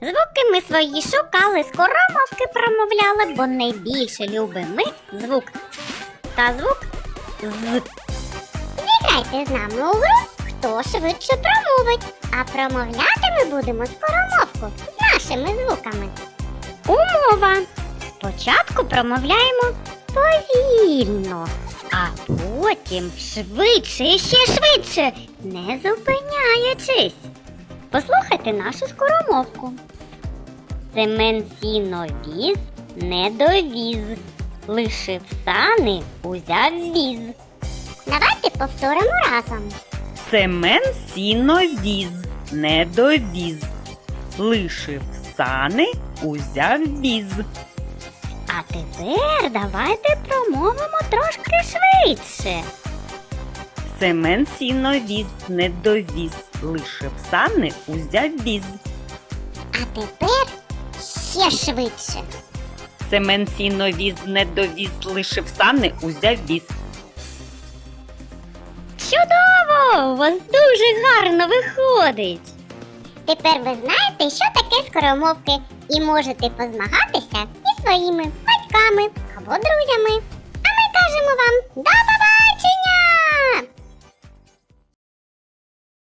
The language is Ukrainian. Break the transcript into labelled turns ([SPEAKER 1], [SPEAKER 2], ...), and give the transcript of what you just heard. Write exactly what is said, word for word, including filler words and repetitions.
[SPEAKER 1] Звуки ми свої шукали, скоромовки промовляли, бо найбільше любимо ми звук «с» та звук «з». Зіграйте з нами у гру, хто швидше промовить, а промовляти ми будемо скоромовку з нашими звуками. Умова. Спочатку промовляємо повільно, а потім швидше і ще швидше, не зупиняючись. Послухайте нашу скоромовку. Семен сіно віз, не довіз, лишив сани, узяв віз. Давайте повторимо разом.
[SPEAKER 2] Семен сіно віз, не довіз, лишив сани, узяв віз.
[SPEAKER 1] А тепер давайте промовимо трошки швидше.
[SPEAKER 2] Семен сіно віз, не довіз, лишив сани, узяв віз.
[SPEAKER 1] А тепер ще швидше.
[SPEAKER 2] Семен сіно віз, не довіз, лишив сани, узяв віз.
[SPEAKER 1] Чудово! У вас дуже гарно виходить. Тепер ви знаєте, що таке скоромовки, і можете позмагатися зі своїми батьками або друзями. А ми кажемо вам до